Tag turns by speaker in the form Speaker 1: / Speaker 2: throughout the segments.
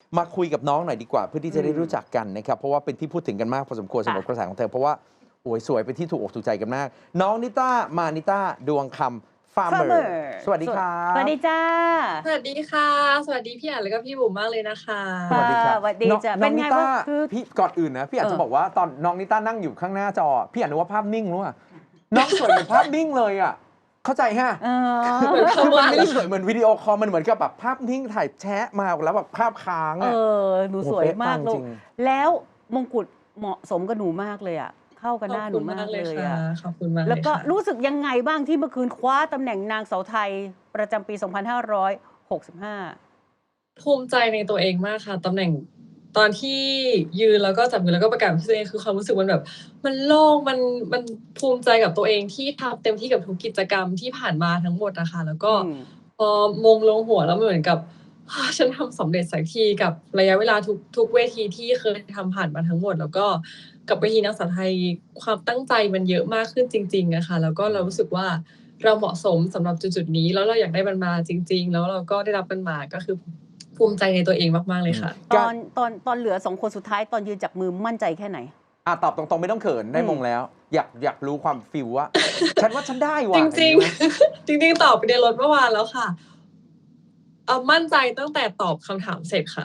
Speaker 1: มาคุยกับน้องหน่อยดีกว่าเพื่อที่จะได้
Speaker 2: อืม
Speaker 1: รู้จักกันนะครับเพราะว่าเป็นที่พูดถึงกันมากพอสมควรสำหรับกระแสของเธอเพราะว่าโอ้ยสวยเป็นที่ถูกอกถูกใจกันมาก น้องนิต้ามานิต้าดวงคำ Farmer สวัสดีครับ
Speaker 2: สวัสดีจ้า
Speaker 3: สวัสดีค่ะ สวัสดีพี่อ่านแล้วก็พี่บุ๋มมากเลยนะคะ
Speaker 1: สวัสดีครับ
Speaker 2: สวัสดีจ้ะ
Speaker 1: น้อง
Speaker 2: เป็นไง
Speaker 1: นิต้า
Speaker 2: บ้างคือ
Speaker 1: พี่ก่อนอื่นนะพี่อาจจะบอกว่าตอนน้องนิต้านั่งอยู่ข้างหน้าจอพี่อ่านนึกว่าภาพนิ่งรู้ป่ะน้องสวยเหมือนภาพนิ่งเลยอ่ะเข้าใจฮะ คือมันไม่ได้สวยเหมือนวิดีโอคอลมันเหมือนกับแบบภาพนิ่งถ่ายแชะมาแล้วแบบภาพค้าง
Speaker 2: เอ
Speaker 1: อ่ะ
Speaker 2: อหนูสวยมาก
Speaker 1: โอ้
Speaker 2: ลู
Speaker 1: เป๊ะปังจริ
Speaker 2: ก
Speaker 1: ง
Speaker 2: แล้วมงกุฎเหมาะสมกับหนูมากเลยอ่ะเข้ากับหน้าหนูมากเลย
Speaker 3: ค่ะ
Speaker 2: อ่ะ
Speaker 3: ขอบคุณมากเลย
Speaker 2: แล้วก็
Speaker 3: ค่ะ
Speaker 2: รู้สึกยังไงบ้างที่เมื่อคืนคว้าตำแหน่งนางสาวไทยประจำปี 2565
Speaker 3: ภูมิใจในตัวเองมากค่ะตำแหน่งตอนที่ยืนแล้วก็จับมือแล้วก็ประกาศชื่อตัวเองคือความรู้สึกมันแบบมันโล่งมันภูมิใจกับตัวเองที่ทำเต็มที่กับทุกกิจกรรมที่ผ่านมาทั้งหมดนะคะแล้วก็พอมงลงหัวแล้วมันเหมือนกับ ฉันทำสำเร็จสักทีกับระยะเวลาทุกเวทีที่เคยทำผ่านมาทั้งหมด แล้วก็กับเวทีนางสาวไทยความตั้งใจมันเยอะมากขึ้นจริงๆนะคะแล้วก็เรารู้สึกว่าเราเหมาะสมสำหรับจุดๆนี้แล้วเราอยากได้มันมาจริง ๆ แล้วเราก็ได้รับมันมาก็คือภูมิใจในตัวเองมากๆเลยค่ะ
Speaker 2: ตอนเหลือ2 คนสุดท้ายตอนยืนจับมือมั่นใจแค่ไหน
Speaker 1: ตอบตรงๆไม่ต้องเขินได้มงแล้ว อยากรู้ความฟิลว่า ฉันว่าฉันได้ว่ะ
Speaker 3: จริง
Speaker 1: อย่างนี้นะ
Speaker 3: ๆ จริงๆตอบไปในรถเมื่อวานแล้วค่ะมั่นใจตั้งแต่ตอบคำถามเสร็จค่ะ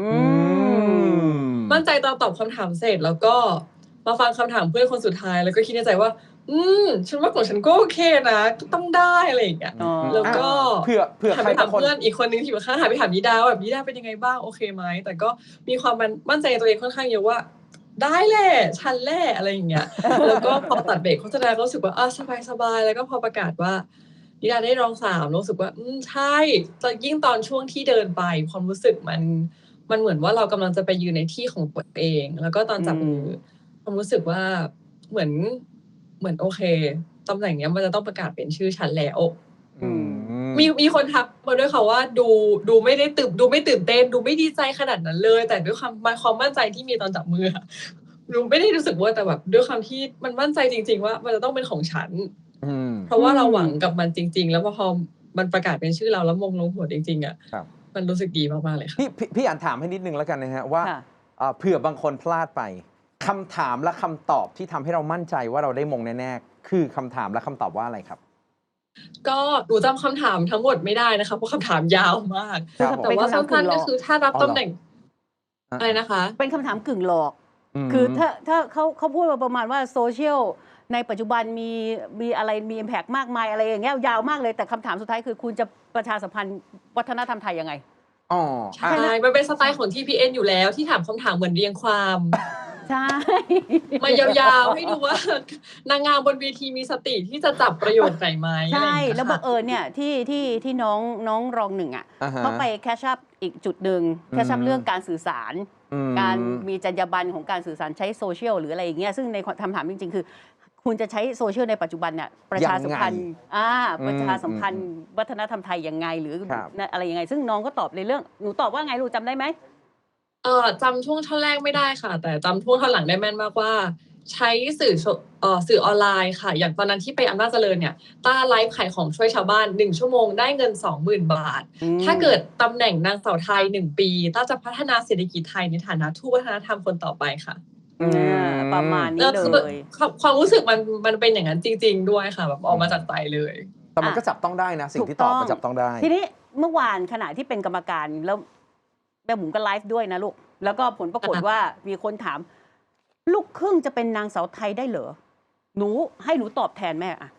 Speaker 3: มั่นใจตอนตอบคำถามเสร็จแล้วก็มาฟังคำถามเพื่อนคนสุดท้ายแล้วก็คิดในใจว่า ฉันว่าของฉันก็โอเคนะต้องได้อะไรอย่างเงี้ย
Speaker 2: อ๋อ
Speaker 3: แล้วก็
Speaker 1: เผื่อ
Speaker 3: หัน
Speaker 1: ใคร
Speaker 3: ไป
Speaker 1: บา
Speaker 3: ถาม
Speaker 1: งคน
Speaker 3: เพื่อนอีกคนนึงที่อยู่ข้างหันไปถามนิดาว่าแบบนิดาเป็นยังไงบ้างโอเคไหมแต่ก็มีความมั่นใจในตัวเองค่อนข้างเยอะว่า ได้แหละฉันแหละอะไรอย่างเงี้ย แล้วก็พอตัดเบรกโฆษณาก็รู้สึกว่าสบายๆแล้วก็พอประกาศว่านิดาได้รอง3รู้สึกว่าใช่ยิ่งตอนช่วงที่เดินไปความรู้สึกมันเหมือนว่าเรากำลังจะไปยืนในที่ของตัวเอง แล้วก็ตอนจับมือความรู้สึกว่าเหมือนโอเคตำแหน่งเนี้ยมันจะต้องประกาศเป็นชื่อฉันแล้ว มีคนทักมาด้วยค่ะว่าดูไม่ได้ดูไม่ตื่นเต้นดูไม่ดีใจขนาดนั้นเลย แต่ด้วยความมั่นใจที่มีตอนจับมือดูไม่ได้รู้สึกว่าแต่แบบด้วยความที่มันมั่นใจจริงๆว่ามันจะต้องเป็นของฉันเพราะว่าเราหวังกับมันจริง ๆ แล้วพอมันประกาศเป็นชื่อเราแล้วมงลงหัวจริงๆอ่ะมันรู้สึกดีมากๆเลยค่ะ
Speaker 1: พี่อ่านถามให้นิดนึงแล้วกันนะฮะว่าเผื่อบางคนพลาดไปคำถามและคำตอบที่ทำให้เรามั่นใจว่าเราได้มงแน่ๆคือคำถามและคำตอบว่าอะไรครับ
Speaker 3: ก็หนูจำคำถามทั้งหมดไม่ได้นะคะเพราะคำถามยาวมาก
Speaker 1: ครับผม
Speaker 3: แต่ว่าสั้นๆก็คือถ้ารับตำแหน่งอะไรนะคะ
Speaker 2: เป็นคำถามกึ่งหลอก คือถ้าเขาพูดมาประมาณว่าโซเชียลในปัจจุบันมีอะไรมี impact มากมายอะไรอย่างเงี้ยยาวมากเลยแต่คำถามสุดท้ายคือคุณจะประชาสัมพันธ์วัฒนธรรมไทยยังไง
Speaker 3: ใช่มันเป็นสไตล์ของ TPN อยู่แล้วที่ถามคำถามเหมือนเรียงความ
Speaker 2: ใช่
Speaker 3: มายาวๆให้ดูว่านางงามบนเวทีมีสติที่จะจับประโยคไหนไหม
Speaker 2: ใช่แล้วบังเอิญเนี่ยที่น้องรองหนึ่งอ่ะเขาไปแคชชัพอีกจุดหนึ่งแคชชัพเรื่องการสื่อสารการมีจรรยาบรรณของการสื่อสารใช้โซเชียลหรืออะไรอย่างเงี้ยซึ่งในคำถามจริงๆคือคุณจะใช้โซเชียลในปัจจุบันเนี่ยประชาสัมพันธ์ประชาสัมพันธ์วัฒนธรรมไทยยังไงหรืออะไรยังไงซึ่งน้องก็ตอบในเรื่องหนูตอบว่าไงลูกจำได้ไหม
Speaker 3: จำช่วงท่อนแรกไม่ได้ค่ะ แต่จำช่วงท่อนหลังได้แม่นมากว่าใช้สื่อออนไลน์ค่ะอย่างตอนนั้นที่ไปอำนาจเจริญเนี่ยต้าไลฟ์ขายของช่วยชาวบ้าน1ชั่วโมงได้เงิน 20,000 บาทถ้าเกิดตำแหน่งนางสาวไทย1ปีต้าจะพัฒนาเศรษฐกิจไทยในฐานะทูตวัฒนธรรมคนต่อไปค่ะ
Speaker 2: ประมาณนี้เลย
Speaker 3: ความรู้สึกมันเป็นอย่างนั้นจริงๆด้วยค่ะแบบออกมาจากใจเลย
Speaker 1: แต่มันก็จับต้องได้นะสิ่งที่ตอบมันจับต้องได้
Speaker 2: ทีนี้เมื่อวานขณะที่เป็นกรรมการแล้วแม่บุ๋มก็ไลฟ์ด้วยนะลูกแล้วก็ผลปรากฏว่ามีคนถามลูกครึ่งจะเป็นนางสาวไทยได้เหรอให้หนูตอบแทนแม่อะ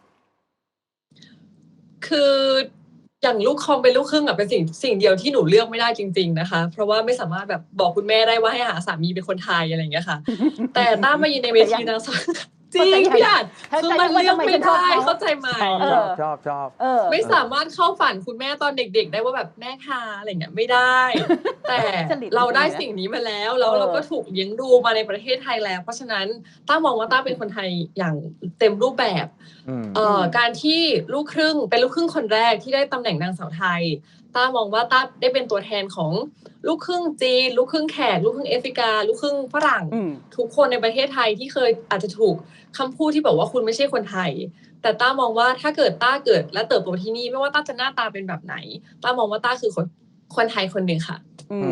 Speaker 3: คืออย่างลูกคอมเป็นลูกครึ่งเป็นสิ่งเดียวที่หนูเลือกไม่ได้จริงๆนะคะเพราะว่าไม่สามารถแบบบอกคุณแม่ได้ว่าให้หาสามีเป็นคนไทยอะไรอย่างเงี้ยค่ะ แต่ต้ามายืนในเวทีนางสาวจริงพี่อ่านคือมันเลือกไม่ได้เข้าใจไหม
Speaker 1: ชอบ
Speaker 3: ไม่สามารถเข้าฝันคุณแม่ตอนเด็กๆได้ว่าแบบแม่ค่ะอะไรเงี้ยไม่ได้แต่เราได้สิ่งนี้มาแล้วเราก็ถูกเลี้ยงดูมาในประเทศไทยแล้วเพราะฉะนั้นต้ามองว่าต้าเป็นคนไทยอย่างเต็มรูปแบบการที่ลูกครึ่งเป็นลูกครึ่งคนแรกที่ได้ตำแหน่งนางสาวไทยต้ามองว่าต้าได้เป็นตัวแทนของลูกครึ่งจีนลูกครึ่งแขกลูกครึ่งแอฟริกาลูกครึ่งฝรั่งทุกคนในประเทศไทยที่เคยอาจจะถูกคำพูดที่บอกว่าคุณไม่ใช่คนไทยแต่ต้ามองว่าถ้าเกิดต้าเกิดและเติบโตที่นี่ไม่ว่าต้าจะหน้าตาเป็นแบบไหนต้ามองว่าต้าคือคนไทยคนหนึ่งค่ะ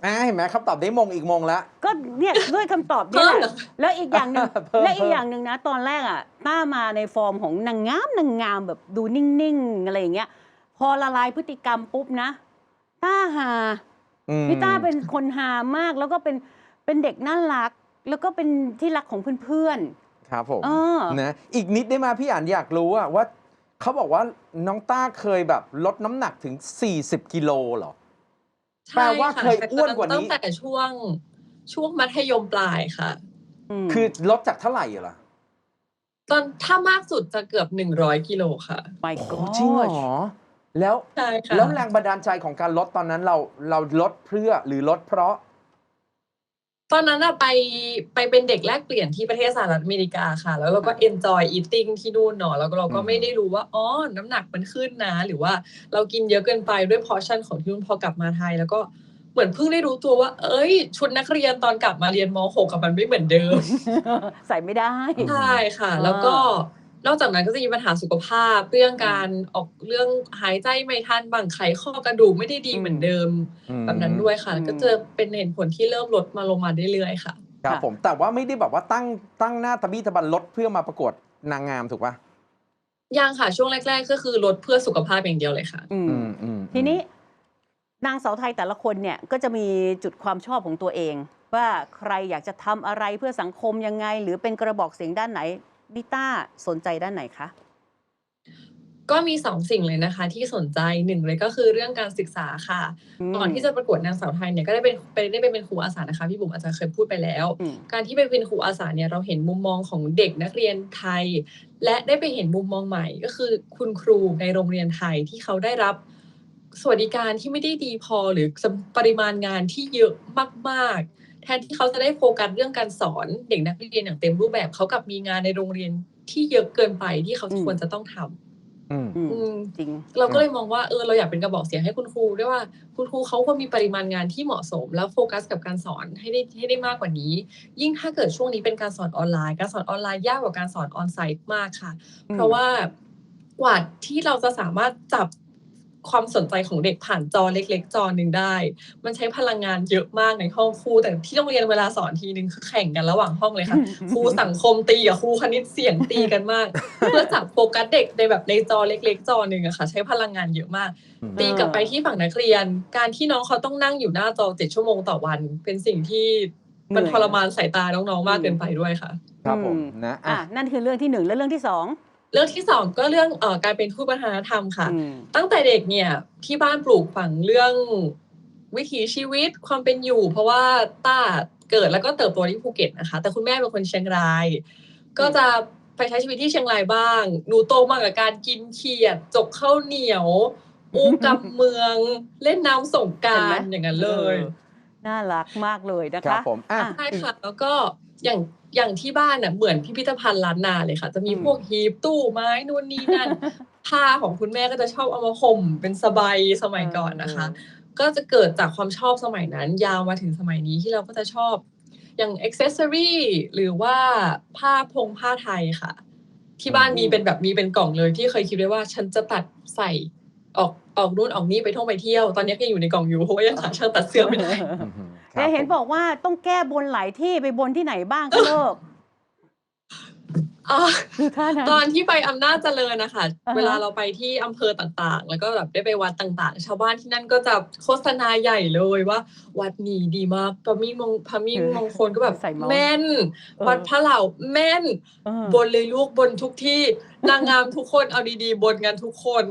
Speaker 1: เห็นไหมคำตอบได้มงอีกมงแล้ว
Speaker 2: ก็เนี่ยด้วยคำตอบเนี่ยแหละแล้วอีกอย่างหนึ่ง
Speaker 1: เพิ่ม
Speaker 2: และอีกอย่างหนึ่งนะตอนแรกอ่ะต้ามาในฟอร์มของนางงามแบบดูนิ่งๆอะไรอย่างเงี้ยพอละลายพฤติกรรมปุ๊บนะต้าหาพี่ต้าเป็นคนหามากแล้วก็เป็นเด็กน่ารัก แล้วก็เป็นที่รักของเพื่อน
Speaker 1: ครับผม
Speaker 2: ๆ
Speaker 1: นะอีกนิดได้มาพี่อ่านอยากรู้ว่าเขาบอกว่าน้องต้าเคยแบบลดน้ำหนักถึง40 กิโลเหรอ แปลว่าเคยอ้วนกว่านี้
Speaker 3: ตั้งแต่ช่วงมัธยมปลายค่ะ
Speaker 1: คือลดจากเท่าไหร่ล่ะ
Speaker 3: ตอนถ้ามากสุดจะเกือบ100 กิโลค่ะ
Speaker 2: My
Speaker 1: โอ้
Speaker 2: God
Speaker 1: จริงเหรอแล้ว
Speaker 3: ใช่ค่ะ
Speaker 1: แล้วแรงบันดาลใจของการลดตอนนั้นเราลดเพื่อหรือลดเพราะ
Speaker 3: ตอนนั้นไปเป็นเด็กแลกเปลี่ยนที่ประเทศสหรัฐอเมริกาค่ะ แล้วเราก็ enjoy eating ที่นู่นเนาะแล้วเราก็ไม่ได้รู้ว่าอ๋อน้ำหนักมันขึ้นนะหรือว่าเรากินเยอะเกินไปด้วย portion ของที่นู่นพอกลับมาไทย แล้วก็เหมือนเพิ่งได้รู้ตัวว่า เอ้ยชุดนักเรียนตอนกลับมาเรียนม .6 กับมันไม่เหมือนเดิม
Speaker 2: ใส่ไม่ได้
Speaker 3: ใช่ค่ะ แล้วก็นอกจากนั้นก็จะมีปัญหาสุขภาพเรื่องการออกเรื่องหายใจไม่ทันบางไขข้อกระดูกไม่ได้ดีเหมือนเดิมแบบนั้นด้วยค่ะก็จะเป็นเหตุผลที่เริ่มลดมาลงมาเรื่อยๆค่ะ
Speaker 1: ครับผมแต่ว่าไม่ได้แบบว่าตั้งหน้าตะบี้ตะบันลดเพื่อมาประกวดนางงามถูกป่ะ
Speaker 3: ยังค่ะช่วงแรกๆก็คือลดเพื่อสุขภาพอย่างเดียวเลยค่ะ
Speaker 2: ทีนี้นางสาวไทยแต่ละคนเนี่ยก็จะมีจุดความชอบของตัวเอง ว่าใครอยากจะทำอะไรเพื่อสังคมยังไง หรือเป็นกระบอกเสียงด้านไหนนิต้าสนใจด้านไหนคะ
Speaker 3: ก็มี2สิ่งเลยนะคะที่สนใจ1เลยก็คือเรื่องการศึกษาค่ะก่อนที่จะประกวดนางสาวไทยเนี่ยก็ได้เป็นครูอาสานะคะพี่บุ๋มอาจจะเคยพูดไปแล้วการที่ไปเป็นครูอาสาเนี่ยเราเห็นมุมมองของเด็กนักเรียนไทย และได้ไปเห็นมุมมองใหม่ก็คือคุณครูในโรงเรียนไทยที่เขาได้รับสวัสดิการที่ไม่ได้ดีพอหรือปริมาณงานที่เยอะมากๆแทนที่เขาจะได้โฟกัสเรื่องการสอนเด็กนักเรียนอย่างเต็มรูปแบบเขากับมีงานในโรงเรียนที่เยอะเกินไปที่เขาควรจะต้องทำ
Speaker 2: จริง
Speaker 3: เราก็เลยมองว่าเราอยากเป็นกระบอกเสียงให้คุณครูด้วยว่าคุณครูเขาควรมีปริมาณงานที่เหมาะสมแล้วโฟกัสกับการสอนให้ได้มากกว่านี้ยิ่งถ้าเกิดช่วงนี้เป็นการสอนออนไลน์การสอนออนไลน์ยากกว่าการสอนออนไซต์มากค่ะเพราะว่ากว่าที่เราจะสามารถจับความสนใจของเด็กผ่านจอเล็กๆจอหนึ่งได้มันใช้พลังงานเยอะมากในห้องครูแต่ที่โรงเรียนเวลาสอนทีนึงคือแข่งกันระหว่างห้องเลยค่ะ ครูสังคมตีกับครูคณิตเสียงตีกันมาก เพื่อจับโฟกัสเด็กในแบบในจอเล็กๆจอหนึ่งอะค่ะใช้พลังงานเยอะมากตีกลับไปที่ฝั่งนักเรียนการที่น้องเขาต้องนั่งอยู่หน้าจอ7 ชั่วโมงต่อวัน เป็นสิ่งที่มันทรมานสายตาน้องๆมากเกินไปด้วยค่ะ
Speaker 1: ครับผมนะ
Speaker 2: นั่นคือเรื่องที่1และเรื่องที่2
Speaker 3: เรื่องที่2ก็เรื่องการเป็นทูตวัฒนธรรมค่ะตั้งแต่เด็กเนี่ยที่บ้านปลูกฝังเรื่องวิถีชีวิตความเป็นอยู่เพราะว่าต้าเกิดแล้วก็เติบโตที่ภูเก็ตนะคะแต่คุณแม่เป็นคนเชียงรายก็จะไปใช้ชีวิตที่เชียงรายบ้างหนูโตมากับการกินเขียดจกข้าวเหนียวอู้กับเมืองเล่นน้ำสงกรานต์อย่างนั้นเลย
Speaker 2: น่ารักมากเลยนะคะ
Speaker 1: ครับผม
Speaker 3: ใช่ค่ะแล้วก็อย่างที่บ้านน่ะเหมือนพิพิธภัณฑ์ล้านนาเลยค่ะจะมีพวกหีบตู้ไม้นู่นนี่นั่นผ้าของคุณแม่ก็จะชอบเอามาห่มเป็นสบายสมัยก่อนนะคะก็จะเกิดจากความชอบสมัยนั้นยาวมาถึงสมัยนี้ที่เราก็จะชอบอย่างอ็อกเซสซอรี่หรือว่าผ้าไทยค่ะที่บ้านมีเป็นกล่องเลยที่เคยคิดไว้ว่าฉันจะตัดใส่ออกนู่นออกนี่ไปท่องไปเที่ยวตอนนี้ก็อยู่ในกล่องอยู่เพราะว่ายังหาช่างตัดเสื้อไม่ได้
Speaker 2: แต่เห็นบอกว่าต้องแก้บนหลายที่ไปบนที่ไหนบ้างก็เลิก
Speaker 3: ตอนที่ไปอำนาจเจริญนะคะเวลาเราไปที่อำเภอต่างๆแล้วก็แบบได้ไปวัดต่างๆชาวบ้านที่นั่นก็จะโฆษณาใหญ่เลยว่าวัดนี้ดีมากพระมิ่งมงคลก็แบบแม่นวัดพระเหล่าแม่นบนเลยลูกบนทุกที่นางงามทุกคนเอาดีๆบนกันทุกคน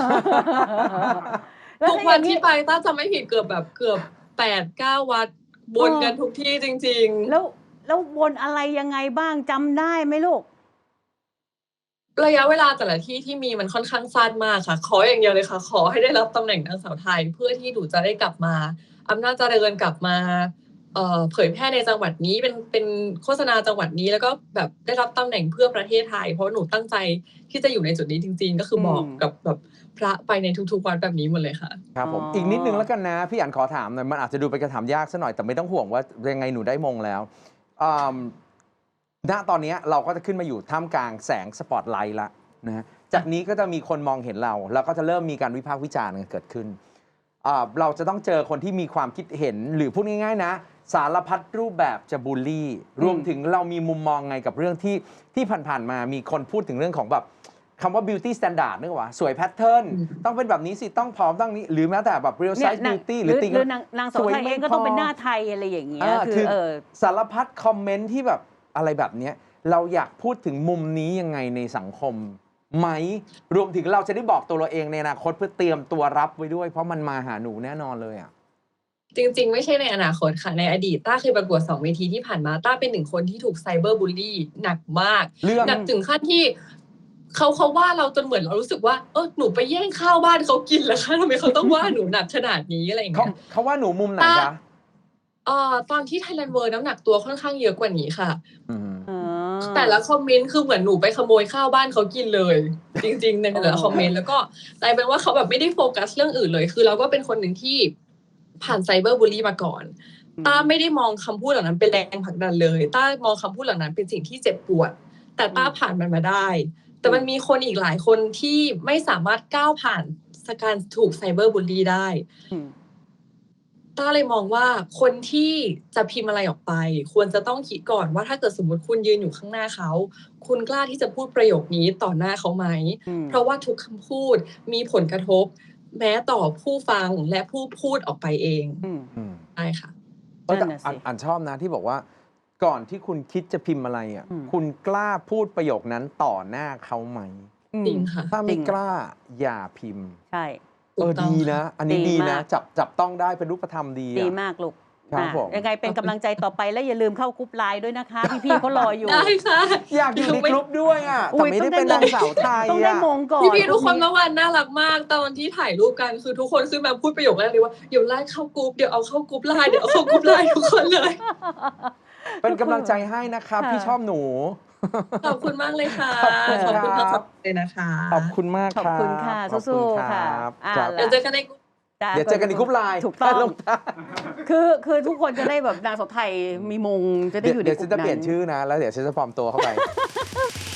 Speaker 3: ทุกวันที่ไปต้าจะไม่ผิดเกือบ8-9 วัดบนกันทุกที่จริง
Speaker 2: ๆแล้วบนอะไรยังไงบ้างจำได้ไหมลูก
Speaker 3: ระยะเวลาแต่ละที่ที่มีมันค่อนข้างสั้นมากค่ะขออย่างเดียวเลยค่ะขอให้ได้รับตำแหน่งนางสาวไทยเพื่อที่หนูจะได้กลับมาอำนาจเจริญกลับมาเผยแพร่ในจังหวัดนี้เป็นโฆษณาจังหวัดนี้แล้วก็แบบได้รับตำแหน่งเพื่อประเทศไทยเพราะหนูตั้งใจที่จะอยู่ในจุดนี้จริงๆก็คือบอกกับแบบพระไปในทุกๆวัดแบบนี้หมดเลยค่ะ
Speaker 1: ครับผมอีกนิดนึงแล้วกันนะพี่อั๋นขอถามหน่อยมันอาจจะดูเป็นคำถามยากซะหน่อยแต่ไม่ต้องห่วงว่ายังไงหนูได้มงแล้วณตอนนี้เราก็จะขึ้นมาอยู่ท่ามกลางแสงสปอตไลท์ละนะจากนี้ก็จะมีคนมองเห็นเราแล้วก็จะเริ่มมีการวิพากษ์วิจารณ์กันเกิดขึ้นเราจะต้องเจอคนที่มีความคิดเห็นหรือพูดง่ายๆนะสารพัดรูปแบบจะบูลลี่รวมถึงเรามีมุมมองไงกับเรื่องที่ผ่านๆมามีคนพูดถึงเรื่องของแบบคำว่า beauty standard นึกว่าสวยแพทเทิร์นต้องเป็นแบบนี้สิต้องผอมต้องนี้หรือแม้แต่แบบ real
Speaker 2: เนี่ย
Speaker 1: size beauty
Speaker 2: หรือ
Speaker 1: ติ่ง
Speaker 2: นางสาวไทยเองก็ต้องเป็นหน้าไทยอะไรอย่างเงี้ยคือ
Speaker 1: สารพัดคอมเมนต์ที่แบบอะไรแบบเนี้ยเราอยากพูดถึงมุมนี้ยังไงในสังคมไหมรวมถึงเราจะได้บอกตัวเราเองในอนาคตเพื่อเตรียมตัวรับไว้ด้วยเพราะมันมาหาหนูแน่นอนเลยอ่ะ
Speaker 3: จริงๆไม่ใช่ในอนาคตค่ะในอดีตต้าเคยประกวด2 เวทีที่ผ่านมาต้าเป็น1 คนที่ถูกไซเบอร์บูลลี่หนักมากหนักถึงขั้นที่เขาว่าเราจนเหมือนเรารู้สึกว่าหนูไปแย่งข้าวบ้านเขากินแล้วคะทำไมเขาต้องว่าหนูหนักขนาดนี้อะไรอย่างเงี้ย
Speaker 1: เขาว่าหนูมุมไหนคะ
Speaker 3: ตอนที่ Thailand World น้ำหนักตัวค่อนข้างเยอะกว่านี้ค่ะแต่ละคอมเมนต์คือเหมือนหนูไปขโมยข้าวบ้านเขากินเลยจริงๆในแต่ละคอมเมนต์แล้วก็กลายเป็นว่าเขาแบบไม่ได้โฟกัสเรื่องอื่นเลยคือเราก็เป็นคนหนึ่งที่ผ่านไซเบอร์บูลลี่มาก่อนต้าไม่ได้มองคำพูดเหล่านั้นเป็นแรงผลักดันเลยต้ามองคำพูดเหล่านั้นเป็นสิ่งที่เจ็บปวดแต่ต้าผ่านมันมาได้แต่มันมีคนอีกหลายคนที่ไม่สามารถก้าวผ่านการถูกไซเบอร์บูลลี่ได้ต้าเลยมองว่าคนที่จะพิมพ์อะไรออกไปควรจะต้องคิดก่อนว่าถ้าเกิดสมมติคุณยืนอยู่ข้างหน้าเขาคุณกล้าที่จะพูดประโยคนี้ต่อหน้าเขาไหมเพราะว่าทุกคำพูดมีผลกระทบแม้ต่อผู้ฟังและผู้พูดออกไปเองใช่ค่ะ
Speaker 1: แต่อ่านชอบนะที่บอกว่าก่อนที่คุณคิดจะพิมพ์อะไรอ่ะคุณกล้าพูดประโยคนั้นต่อหน้าเขาไหม
Speaker 3: จริงค่ะ
Speaker 1: ถ้าไม่กล้าอย่าพิมพ์
Speaker 2: ใช่
Speaker 1: ดีนะอันนี้ดีนะจับต้องได้เป็นรูปธรรมดี
Speaker 2: มากลูกยังไงเป็นกำลังใจต่อไปและอย่าลืมเข้ากรุ๊ปไลน์ด้วยนะคะพี่ๆเขารออยู่
Speaker 3: ได้ค่ะ
Speaker 1: อยากอยู่ในกรุ๊ปด้วยอ่ะแต่ไม่ได้เป็นนางสาวไทย
Speaker 2: ต้องได้มงก่อน
Speaker 3: พี่ๆทุกคนเมื่อวานน่ารักมากตอนที่ถ่ายรูปกันคือทุกคนขึ้นมาพูดประโยคแรกเลยว่าเดี๋ยวไลน์เข้ากรุ๊ปเดี๋ยวเอาเข้ากรุ๊ปไลน์เดี๋ยวเอาเข้ากรุ๊ปไลน์ทุกคนเลย
Speaker 1: เป็นกำลังใจให้นะครับพี่ชอบหนู
Speaker 3: ขอบคุณมากเลยค่ะขอบคุณทั้งสองเลยนะคะ
Speaker 1: ขอบคุณมาก
Speaker 2: ขอบคุณค่ะสู้ๆค่ะ
Speaker 3: เดี๋ยวเจอกันในกรุ๊ป
Speaker 1: เดี๋ยวเจอกันในกรุ๊ปไลน์
Speaker 2: ถูกต้องคือทุกคนจะได้แบบนางสาวไทยมีมงจะได้อยู่ในกรุ๊ปนั้น
Speaker 1: เดี๋ยวฉันจะเปลี่ยนชื่อนะแล้วเดี๋ยวฉันจะปลอมตัวเข้าไป